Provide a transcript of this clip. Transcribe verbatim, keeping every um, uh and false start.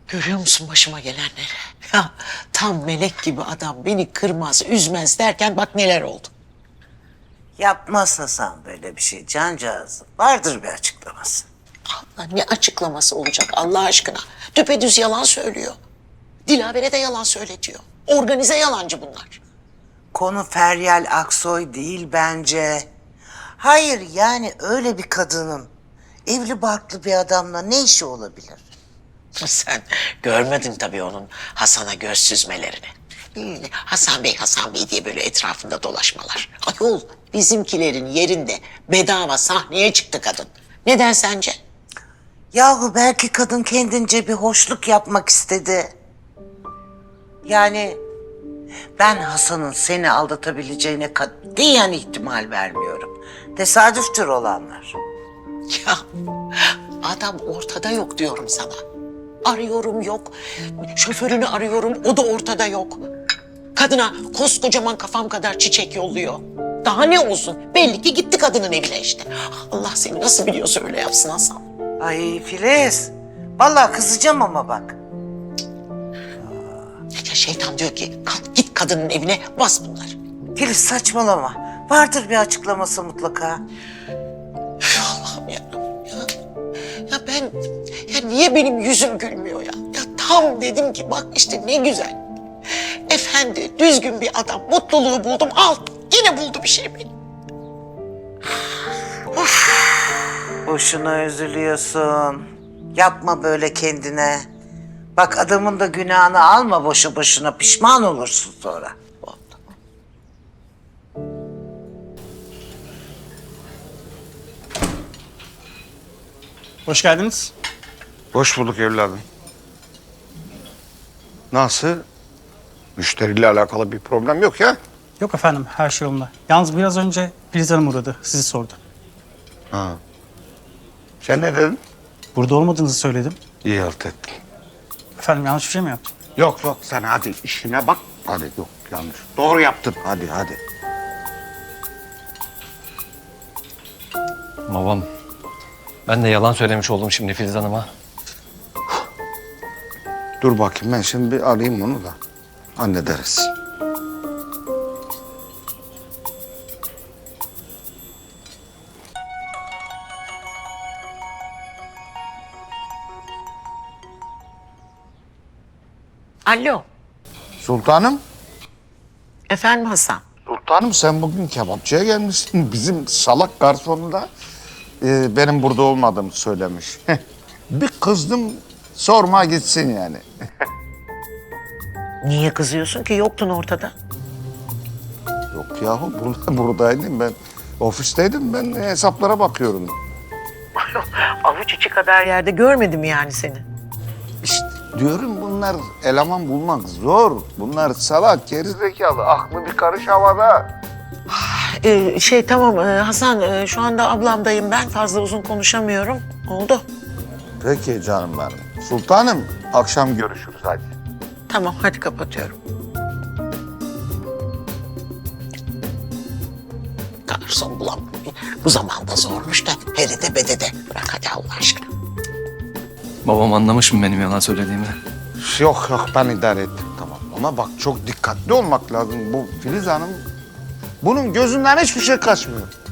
Görüyor musun başıma gelenleri? Ya tam melek gibi adam beni kırmaz, üzmez derken bak neler oldu. Yapmaz Hasan böyle bir şey cancağızım. Vardır bir açıklaması. Allah ne açıklaması olacak Allah aşkına? Düpedüz yalan söylüyor. Dilavere de yalan söyletiyor. Organize yalancı bunlar. Konu Feryal Aksoy değil bence. Hayır yani öyle bir kadının evli barklı bir adamla ne işi olabilir? Sen görmedin tabii onun Hasan'a göz süzmelerini. Hmm, Hasan Bey, Hasan Bey diye böyle etrafında dolaşmalar. Ayol bizimkilerin yerinde bedava sahneye çıktı kadın. Neden sence? Yahu belki kadın kendince bir hoşluk yapmak istedi. Yani ben Hasan'ın seni aldatabileceğine katiyen ihtimal vermiyorum. Tesadüftür olanlar. Ya adam ortada yok diyorum sana. Arıyorum yok. Şoförünü arıyorum o da ortada yok. Kadına koskocaman kafam kadar çiçek yolluyor. Daha ne olsun? Belli ki gitti kadının evine işte. Allah seni nasıl biliyorsa öyle yapsın Hasan. Ay Filiz, vallahi kızacağım ama bak. Ya şeytan diyor ki kalk git kadının evine bas bunları. Filiz saçmalama. Vardır bir açıklaması mutlaka. Üf, Allah'ım ya. ya. Ya ben, ya niye benim yüzüm gülmüyor ya? Ya tam dedim ki bak işte ne güzel. Efendi, düzgün bir adam. Mutluluğu buldum. Al, yine buldu bir şey beni. Boşuna üzülüyorsun. Yapma böyle kendine. Bak adamın da günahını alma boşu boşuna. Pişman olursun sonra. Hoş geldiniz. Hoş bulduk evladım. Nasıl? Müşteriyle alakalı bir problem yok ya. Yok efendim, her şey yolunda. Yalnız biraz önce Filiz Hanım uğradı, sizi sordu. Ha. Sen ne dedin? Burada olmadığınızı söyledim. İyi halt ettin. Efendim yanlış bir şey mi yaptım? Yok yok sen hadi işine bak. Hadi yok yanlış. Doğru yaptın hadi hadi. Babam, ben de yalan söylemiş oldum şimdi Filiz Hanım'a. Dur bakayım ben şimdi bir arayayım onu da hallederiz. Alo, Sultanım. efendim Hasan. Sultanım sen bugün kebapçıya gelmişsin. Bizim salak garsonu da e, benim burada olmadığımı söylemiş. Bir kızdım sorma gitsin yani. Niye kızıyorsun ki? Yoktun ortada. Yok yahu burada, buradaydım ben. Ofisteydim ben hesaplara bakıyorum. Avuç içi kadar yerde görmedim yani seni. İşte diyorum bunlar eleman bulmak zor. Bunlar salak, gerizekalı, aklı bir karış havada. Ee, şey tamam e, Hasan e, şu anda ablamdayım ben. Fazla uzun konuşamıyorum. Oldu. Peki canım benim. Sultanım akşam görüşürüz hadi. Tamam hadi kapatıyorum. Garson bulam. Bu zamanda zormuş da heride bedede. Bırak hadi Allah aşkına. Babam anlamış mı benim yalan söylediğimi? Yok yok ben idare ettim tamam. Ama bak çok dikkatli olmak lazım. Bu Filiz Hanım bunun gözünden hiçbir şey kaçmıyor.